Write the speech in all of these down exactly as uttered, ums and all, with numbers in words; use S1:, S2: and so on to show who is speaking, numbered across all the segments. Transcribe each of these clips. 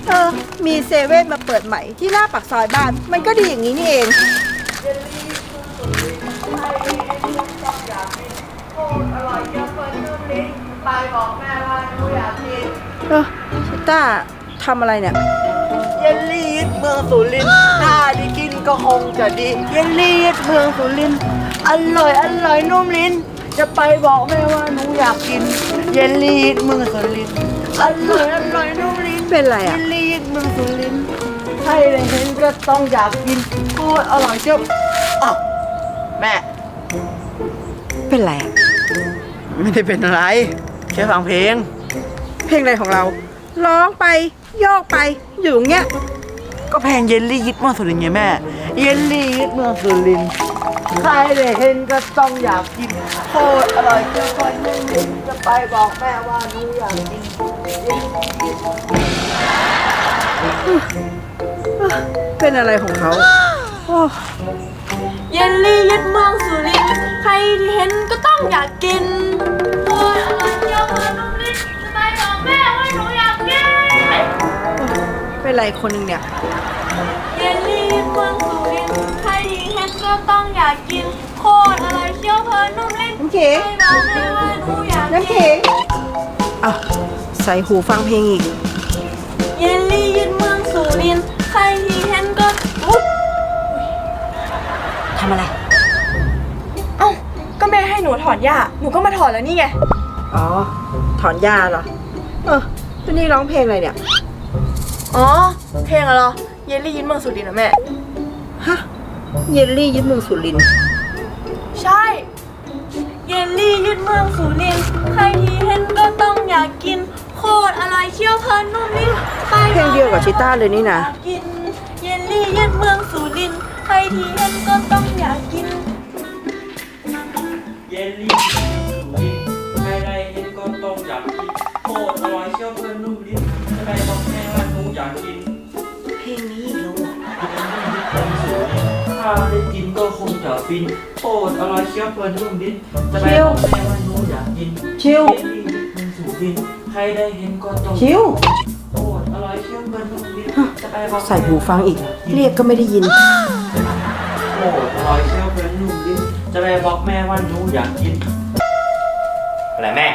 S1: เออมีเซเว่นมาเปิดใหม่ที่หน้าปากซอยบ้านมันก็ดีอย่างนี้นี่เองไปบอกแม่ว่าหนูอยากกินเออชิต้าทำอะไรเนี่ยเยลลี่ยึดเมืองสุรินทร์ถ้าได้กินก็คงจะดีเยลลี่ยึดเมืองสุรินทร์อร่อยอร่อยนุ่มลิ้นจะไปบอกแม่ว่าหนูอยากกินเยลลี่ยึดเมืองสุรินทร์อร่อยอร่อยนุ่มลิ้นเป็นไรอะเยลลี่ยึดเมืองสุรินทร์ใครได้เห็นก็ต้องอยากกินโคตรอร่อยเจ้าอ้าวแม่เป็นไรอะไม่ได้เป็นอะไรแค่ฟังเพลงเพลงอะไรของเราร้องไปโยกไปอยู่อย่างเงี้ยก็เพลงเยลลี่ยึดเมืองสุรินทร์ไงแม่เยลลี่ยึดเมืองสุรินทร์ใครได้เห็นก็ต้องอยากกินโคตรอร่อยเจ้าคนนึงจะไปบอกแม่ว่าหนูอยากกินเป็นอะไรของเขา
S2: เยลลี่ยึดเมืองสุรินทร์ใครที่เห็นก็ต้องอยากกินโอ้ยอร่อยเจียวเมืองนุ่มลิ้นจะไปบอกแม่ว่าหนูอยากกิน
S1: เป็นไรคนหนึ่งเนี่ย
S2: เยลลี่ยึดเมืองสุรินทร์ใครที่เห็นก็ต้องอยากกินโคตรอร่อยเจียวเมืองนุ่มลิ้น
S1: น้ำเข็ง
S2: ไปบอกแม่ว่าหนูอยากกิน
S1: น้ำเข็งอ่ะใส่หูฟังเพลงอีก
S2: เยลลี่ยึดเมืองสุรินทร์ใครที่เห็นก็อุ๊บ
S1: ทำอะไร
S2: เอ้าก็แม่ให้หนูถอนหญ้าหนูก็มาถอนแล้วนี่ไง
S1: อ๋อถอนหญ้าเหรอเออตัวนี้ร้องเพลงอะไรเนี่ย
S2: อ๋อเพลงอะไรเยลลี่ยึดเมืองสุรินทร์นะแม่
S1: ฮะเยลลี่ยึดเมืองสุรินทร์
S2: ใช่เยลลี่ยึดเมืองสุรินทร์ใครที่เห็นก็ต้องอยากกินโคตรอร่อยเชี่ยวเพลินนุ่มลิ้น
S1: เพลงเดียวกับชิต้าเลยนี่นะ
S2: กินเยลลี่ยึดเมืองสุรินทร์ใครที่เห็นก็ต้องอยากกิน
S3: เยลลี่สุรินทร์ใครได้เห็นก็ต้องอยากกินโคตรอร่อยเชี่ยวเพลินนุ่มลิ้นจะไปบอกแม่ว่าหนูอยากกิน
S1: เพลงนี้อีกแล้ว
S3: ถ้าได้กินก็คงจะฟินโคตรอร่อยเชี่ยวเพลินนุ่มลิ้นจะไปบอกแม่ว่าหนูอยากกิน
S1: ชิว
S3: เยลลี่ยึดเมืองสุรินทร์ใครได้เห็นก็ต้อง
S1: ชิว
S3: โคตรอร่อยเชี่ยวเพลินนุ่มลิ้นจะไปบอก
S1: ใส่หูฟังอีกเรียกก็ไม่ได้ยิน
S3: โอ้อร่อยเชี่ยวเพลินนุ่มลิ้นจะไปบอกแม่ว่าหนูอยากกินอะไรแม่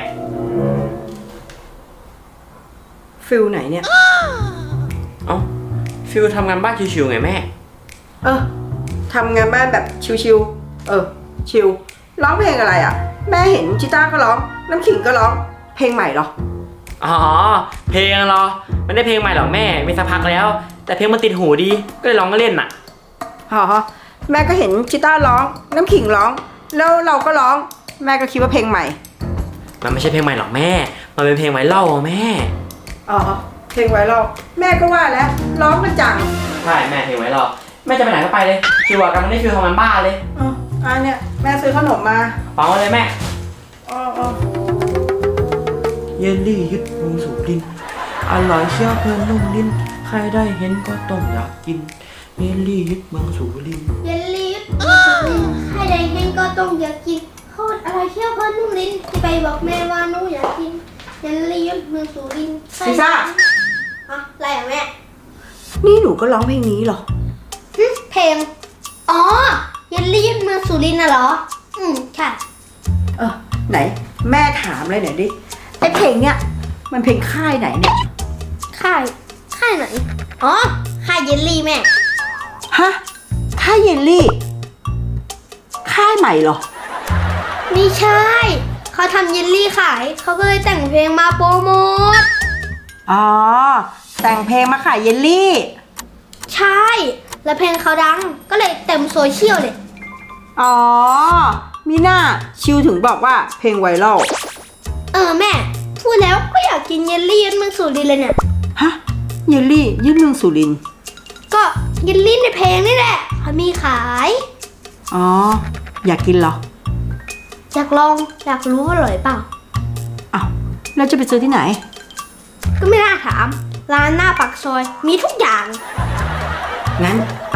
S1: ฟิลไหนเนี่ย
S3: เอ้าฟิลทำงานบ้านชิวๆไงแม่
S1: เออทำงานบ้านแบบชิวๆเออชิวร้องเพลงอะไรอ่ะแม่เห็นชิต้าก็ร้องน้ำขิงก็ร้องเพลงใหม่เหรอ
S3: อ๋อเพลงเหรอไม่ได้เพลงใหม่หรอกแม่มีสักพักแล้วแต่เพลงมันติดหูดีก็เลยร้องก็เล่นน่ะ
S1: อ๋อแม่ก็เห็นชิต้าร้องน้ำขิงร้องแล้วเราก็ร้องแม่ก็คิดว่าเพลงใหม่
S3: มันไม่ใช่เพลงใหม่หรอกแม่มันเป็นเพลงไวรัลแม่
S1: อ๋อเพลงไวรัลแม่ก็ว่าแล้วร้องมันจัง
S3: ใช่แม่เพลงไวรัลแม่จะไปไหนก็ไปเลยชิวกันไม่ได้ฟิลทำงานบ้านเลย
S1: อ๋ออันเนี้ยแม่ซื้อขนมมา
S3: เปล่าเลยแม่
S1: อ๋ออ๋อ
S3: เยลลี่ยึดเมืองสุรินทร์อร่อยเชี่ยวเพลินนุ่มลิ้นใครได้เห็นก็ต้องอยากกินเยลลี่ยึดเมืองสุรินทร์
S4: เยลลี่ยึดเมืองสุรินทร์ใครได้เห็นก็ต้องอยากกินโคตรอร่อยเชี่ยวเพลินนุ่มลิ้นจะไปบอกแม่ว่าหนูอยากกินเยลลี่ยึดเมืองสุรินทร์
S1: พิซซ่า
S4: อะอะไรอะแม่
S1: นี่หนูก็ร้องเพลงนี้เหรอ
S4: เพลงอ๋อเยลลี่ยึดเมืองสุรินทร์น่ะเหรออืมค่ะ
S1: เออไหนแม่ถามเลยหน่อยดิไอเพลงเนี้ยมันเพลงค่ายไหนเนี่ย
S4: ค่ายค่ายไหนอ๋อค่ายเยลลี่แม่
S1: ฮะค่ายเยลลี่ค่ายใหม่เหรอ
S4: ไม่ใช่เขาทำเยลลี่ขายเขาก็เลยแต่งเพลงมาโปรโมท
S1: อ๋อแต่งเพลงมาขายเยลลี่
S4: ใช่แล้วเพลงเขาดังก็เลยเต็มโซเชียลเลย
S1: อ๋อมีหน้าชิวถึงบอกว่าเพลงไวรัล
S4: เออแม่พูดแล้วก็อยากกินเยลลี่ยึดเมืองสุรินทร์เลยเนี่ย
S1: ฮะเยลลี่ยึดเมืองสุรินทร์
S4: ก็เยลลี่ในเพลงนี่แหละเขามีขาย
S1: อ๋ออยากกินเหรอ
S4: อยากลองอยากรู้ว่าอร่อยเปล่า
S1: อ้าวเราจะไปซื้อที่ไหน
S4: ก็ไม่น่าถามร้านหน้าปากซอยมีทุกอย่าง
S1: งั้นไป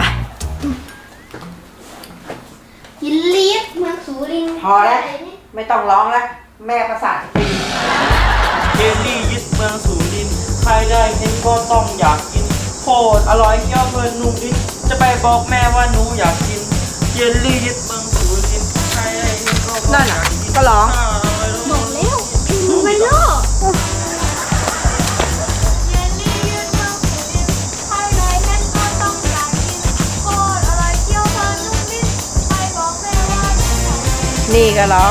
S4: เยลลี่เมืองสุรินทร์
S1: พอแล้วไม่ต้องร้องแล้วแม่ประสาทตี
S3: เยลลี่ยึดเมืองสุรินทร์ใครได้เห็นก็ต้องอยากกินโคตรอร่อยเคี้ยวเพลินนุ่มลิ้นจะไปบอกแม่ว่าหนูอยากกินเยลลี่ยึดเมืองสุรินทร์ใครได้เห็นก็ต้อง
S1: นั่น
S3: อยา
S1: น่ะ
S3: กกิน
S1: ก็ร้อง
S4: บอกแล้วมึงไปโลก
S2: เยลลี่ยืดเมืองสุรินทร์ใครได้เห็นก็ต้องอยากกินโคตรอร่อยเคี้ยวเพลินนุ่มลิ้นไปบอกแม่ว่าหนูอยากกิน
S1: นี่ก็ร้อง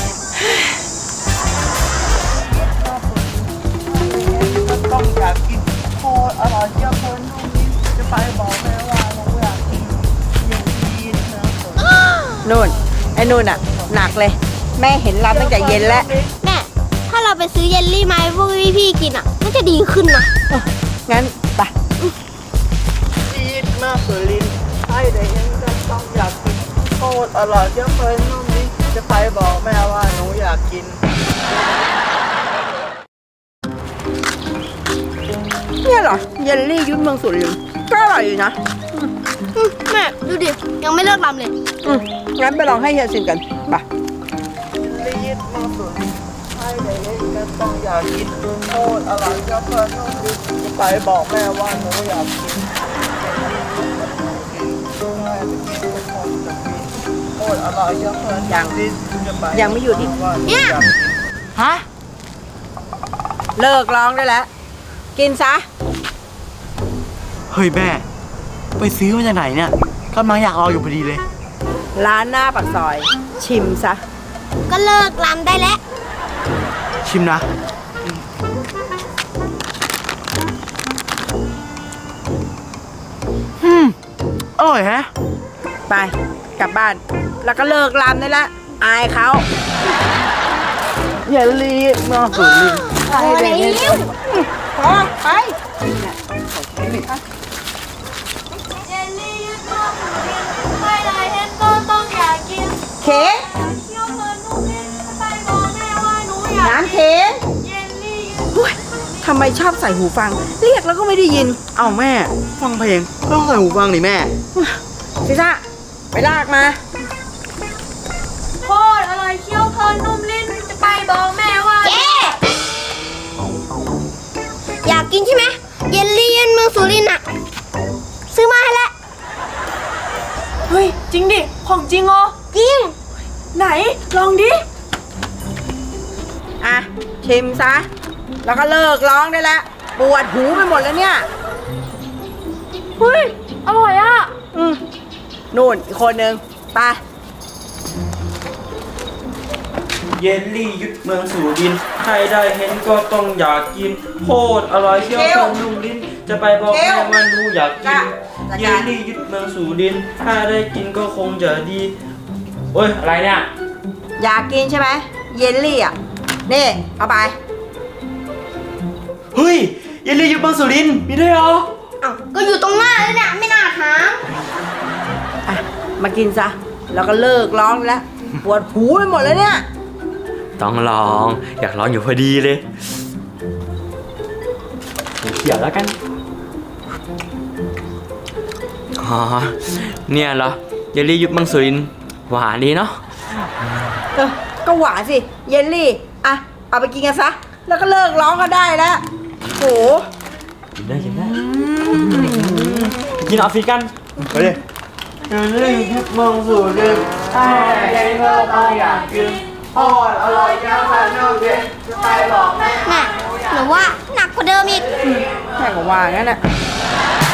S3: ต้องอยากกินโคตรอร่อยเคี้ยวเพลินนุ่มลิ้นจะไปบอกแม่ว่าหนูอยากกินเยลลี่ยึดเมืองสุรินทร์
S1: นู่น ไอ้นู่นอ่ะ หนักเลย แม่เห็นรับตั้งแต่เย็นแล้ว
S4: แม่ถ้าเราไปซื้อเยลลี่มาให้พวกพี่ๆกินอ่ะน่าจะดีขึ้นนะ
S1: งั้นไป
S3: ยึดเมืองสุรินทร์ใครได้เห็นก็ต้องอยากกินโคตรอร่อยเคี้ยวเพลินนุ่มลิ้นจะไปบอกแม่ว่าหนูอยากกิน
S1: เนี่ยเหรอ เยลลี่ยุ้นเมืองสุรินทร์ก็อร่อยอยู่นะ
S4: อืมแม่ดูดิยังไม่เลิกรำเลย
S1: อืมงั้นไปลองให้เฮียชิมกันไป
S3: รีดมาสุดใครได้เล่นก็ต้องอยากกินโคตรอร่อยก็เพลินนุ่มลิ้นจะไปบอกแม่ว่าหนูอยากกินแม่จะกินทุกคนจะกินโคตรอร่อยก็เพลินนุ่มลิ้นจะไป
S1: ยังไม่หยุดอีก
S3: ว่าหนูอยากกิน
S1: ฮะ เลิกร้องได้แล้ว กินซะ
S3: เฮ้ยแม่ไปซื้อมาจากไหนเนี่ยกำลังอยากรออยู่พอดีเลย
S1: ร้านหน้าปากซอย ชิมซะ
S4: ก็เลิกรำได้แล้ว
S3: ชิมนะอืมอร่อยแฮะ
S1: ไป กลับบ้าน แล้วก็เลิกรำได้แล้ว อายเขา
S3: อย่ารีดมาสุดลิ้น
S1: พอแล้วพอไป
S2: เยลลี่ยืดเมืองสุรินทร์ใครได้เห็นก็ต้องอยากกิน
S1: เค้ก
S2: เคี้ยวเพลินนุ่มลิ้นไปบอกแม่ว่าหนูอยากกิน
S1: น้ำเค้ก
S2: เยลลี่ยืด
S1: อุ๊ยทำไมชอบใส่หูฟัง เรียกแล้วก็ไม่ได้ยิน
S3: เอ้าแม่ฟังเพลงก็ต้องใส่หูฟังนี่แม่
S1: ซิซ่า ไปลากมา
S2: โคตรอร่อยเคี้ยวเพลินนุ่มลิ้นจะไปบอกแม่ว่า
S4: เจ๊อยากกินใช่ไหมเยลลี่ยืนเมืองสุรินทร์อ่ะซื้อมาให้แล้ว
S2: เฮ้ย จริงดิ ของจริงเหรอ
S4: จริง
S2: ไหน ลองดิ
S1: อ่ะ ชิมซะ แล้วก็เลิกร้องได้แล้ว ปวดหูไปหมดแล้วเนี่ย
S2: เฮ้ย อร่อยอ่ะ
S1: อืมนู่นอีกคนนึงไป
S3: เยลลี่ยึดเมืองสุรินทร์ใครได้เห็นก็ต้องอยากกินโคตรอร่อยเคี้ยวเพลินนุ่มลิ้นจะไปบอกแม่ว่าหนูอยากกิน เยลลี่ยึดเมืองสุรินทร์ถ้าได้กินก็คงจะดีโอ้ยอะไรเนี่ย
S1: อยากกินใช่ไหม เยลลี่อ่ะ นี่ เอาไป
S3: เฮ้ยเยลลี่ยึดเมืองสุรินทร์มีด้วยเหรอ
S4: อ้าวก็อยู่ตรงหน้าเลยเนี่ยไม่น่าถาม
S1: อ่ะ มากินซะ แล้วก็เลิกร้องได้แล้ว ปวดหูไปหมดแล้วเนี่ย
S3: ต้องลองอยากลองอยู่พอดีเลยเขียวแล้วกันอ๋อเนี่ยเหรอเยลลี่ยึดเมืองสุรินทร์หวานดีเนาะ
S1: เออ ก็หวานสิ เยลลี่ อ่ะ เอาไปกินกันซะ แล้วก็เลิกร้องก็ได้แล้วโห
S3: กินได้กินได้กินออฟฟิศกันไปเลยเยลลี่ยึดเมืองสุรินทร์ใครได้เห็นก็ต้องอยากกินโคตรอร่อยเคี้ยวเพลินนุ่มลิ้นจะไปบอกแม่
S4: น่ะหนูว่าหนักกว่าเดิมอีก
S1: แค่ก็ว่างั้นแหละ